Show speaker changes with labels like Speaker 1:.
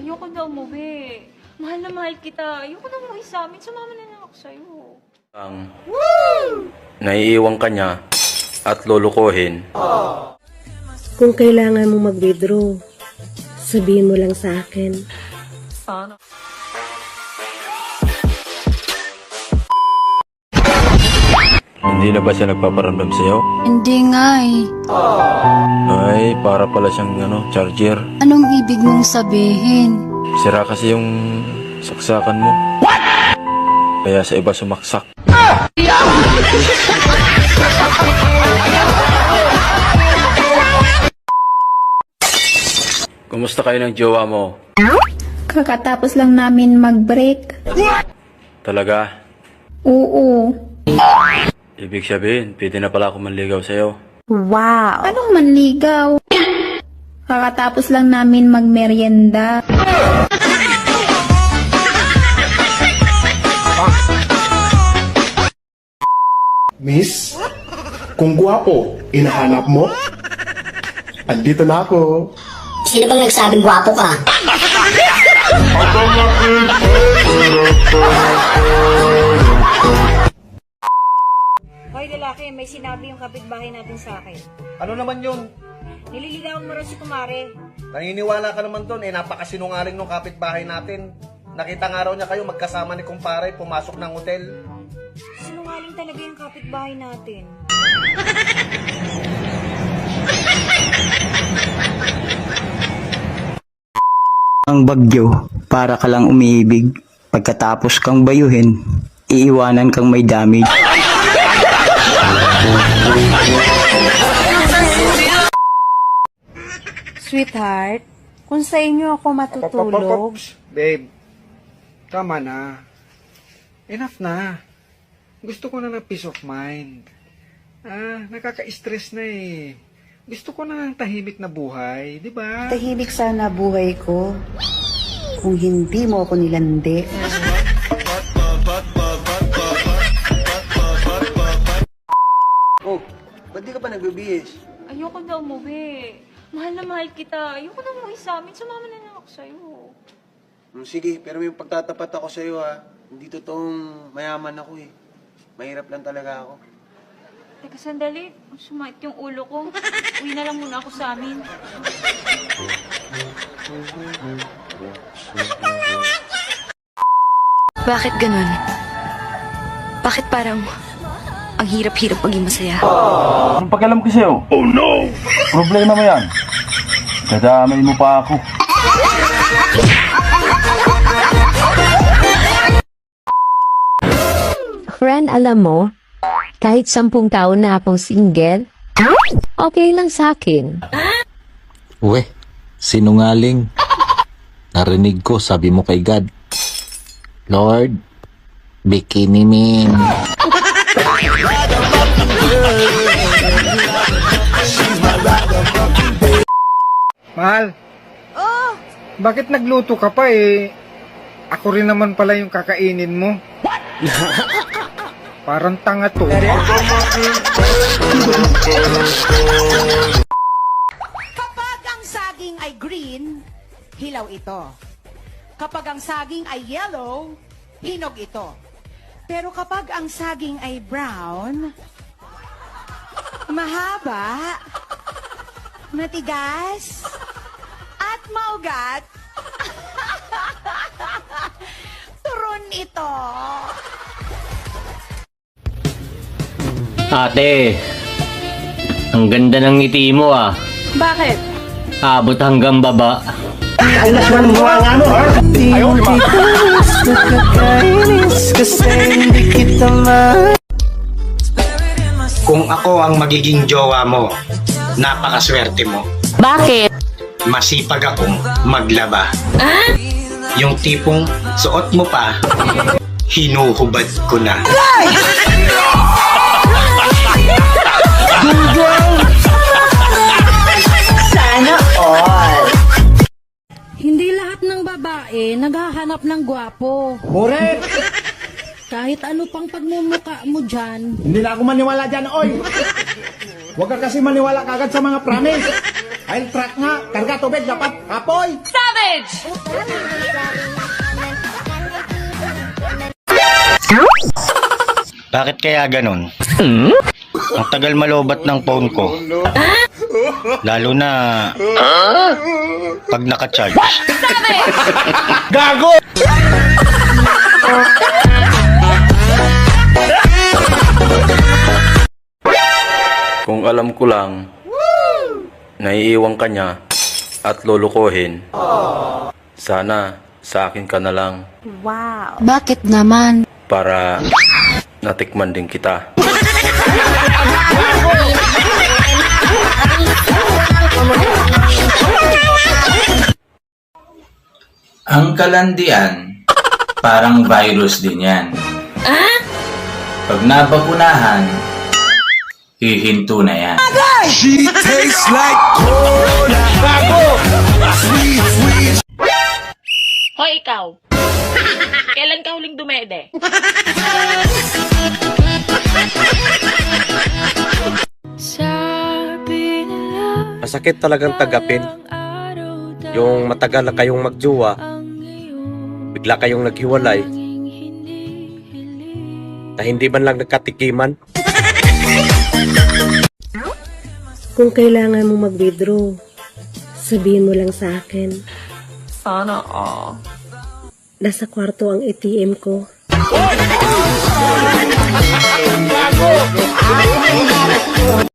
Speaker 1: Ayoko na umuwi. Mahal na mahal kita. Ayoko na umuwi sa amin. Sumama na lang ako sa'yo.
Speaker 2: Ang naiiwan ka niya at lulukuhin.
Speaker 3: Kung kailangan mo mag-withdraw, sabihin mo lang sa akin.
Speaker 1: Sana.
Speaker 2: Hindi na ba siya nagpaparamdam sa'yo?
Speaker 4: Hindi nga eh.
Speaker 2: Ay, para pala siyang charger.
Speaker 4: Anong ibig mong sabihin?
Speaker 2: Sira kasi yung saksakan mo. Kaya sa iba sumaksak. Kumusta kayo ng jowa mo?
Speaker 5: Kakatapos lang namin mag-break.
Speaker 2: Talaga?
Speaker 5: Oo.
Speaker 2: Ibig sabihin, pwede na pala ako manligaw sa'yo.
Speaker 5: Wow. Anong manligaw? Kakatapos lang namin magmerienda.
Speaker 6: Miss, kung gwapo, inahanap mo? Andito na ako.
Speaker 7: Sino bang nagsabing gwapo ka?
Speaker 8: Hoy lalaki, may sinabi yung kapitbahay natin sa akin.
Speaker 9: Ano naman yun?
Speaker 8: Nililigawan mo raw si Kumare.
Speaker 9: Naniniwala ka naman doon, napakasinungaling ng kapitbahay natin. Nakita nga raw niya kayo magkasama ni kumpare, pumasok ng hotel.
Speaker 8: Sinungaling talaga yung kapitbahay natin.
Speaker 10: Ang bagyo, para ka lang umiibig. Pagkatapos kang bayuhin, iiwanan kang may damage.
Speaker 8: Sweetheart, kung sa inyo ako matutulog...
Speaker 9: Babe, tama na. Enough na. Gusto ko na ng peace of mind. Nakaka-stress na eh. Gusto ko na ng tahimik na buhay, di ba?
Speaker 11: Tahimik sana buhay ko kung hindi mo ako nilandi.
Speaker 9: Oh, ba't di ka pa nagbibihis?
Speaker 1: Ayoko na umuwi. Mahal na mahal kita. Ayoko na umuwi sa amin. Sumama na lang ako sa'yo.
Speaker 9: Sige, pero may pagtatapat ako sa'yo ha. Hindi totoong mayaman ako eh. Mahirap lang talaga ako.
Speaker 1: Teka, sandali. Sumakit yung ulo ko. Uwi na lang muna ako sa amin.
Speaker 4: Bakit ganun? Bakit parang ang hirap-hirap maging masaya?
Speaker 2: Anong pakialam ko sa'yo? Oh no! Problema mo yan. Kadamay mo pa ako.
Speaker 3: Friend, alam mo, kahit 10 taon na akong single, okay lang sa akin.
Speaker 12: Uwe, sinungaling. Narinig ko, sabi mo kay God, Lord, bikini min.
Speaker 9: Mahal? Oh! Bakit nagluto ka pa eh? Ako rin naman pala yung kakainin mo. Parang tanga to.
Speaker 11: Kapag ang saging ay green, hilaw ito. Kapag ang saging ay yellow, hinog ito. Pero kapag ang saging ay brown, mahaba, matigas, at maugat, turon ito.
Speaker 13: Ate, ang ganda ng ngiti mo ah.
Speaker 1: Bakit?
Speaker 13: Abot hanggang baba.
Speaker 10: Kung ako ang magiging jowa mo, napakaswerte mo.
Speaker 3: Bakit?
Speaker 10: Masipag akong maglaba. Yung tipong suot mo pa, hinuhubad ko na.
Speaker 5: Sana all. Hindi lahat ng babae naghahanap ng gwapo.
Speaker 9: Correct!
Speaker 5: Kahit ano pang pagmumuka mo dyan.
Speaker 9: Hindi na ako maniwala dyan, oy! Huwag ka kasi maniwala kagad sa mga promise.
Speaker 6: I'll track nga. Karga tubig dapat. Apoy!
Speaker 1: Savage!
Speaker 10: Bakit kaya ganun? Ang tagal malobat ng phone ko. Lalo na pag naka-charge.
Speaker 6: Gago!
Speaker 2: Kung alam ko lang, naiiwan ka niya at lulukohin, sana sa akin ka na lang
Speaker 4: Bakit naman?
Speaker 2: para natikman din kita.
Speaker 14: Ang kalandian, parang virus din yan. Pag nabakunahan, hihinto na yan.
Speaker 6: She tastes like cola. Gago! Sweet, sweet.
Speaker 1: Hoy, ikaw! Kailan ka huling dumede?
Speaker 13: Masakit talagang tagapin. Yung matagal na kayong magjowa, bigla kayong naghiwalay, na hindi man lang nagkatikiman.
Speaker 5: Kung kailangan mo mag-withdraw, sabihin mo lang sa akin.
Speaker 1: Sana all.
Speaker 5: Nasa kwarto ang ATM ko.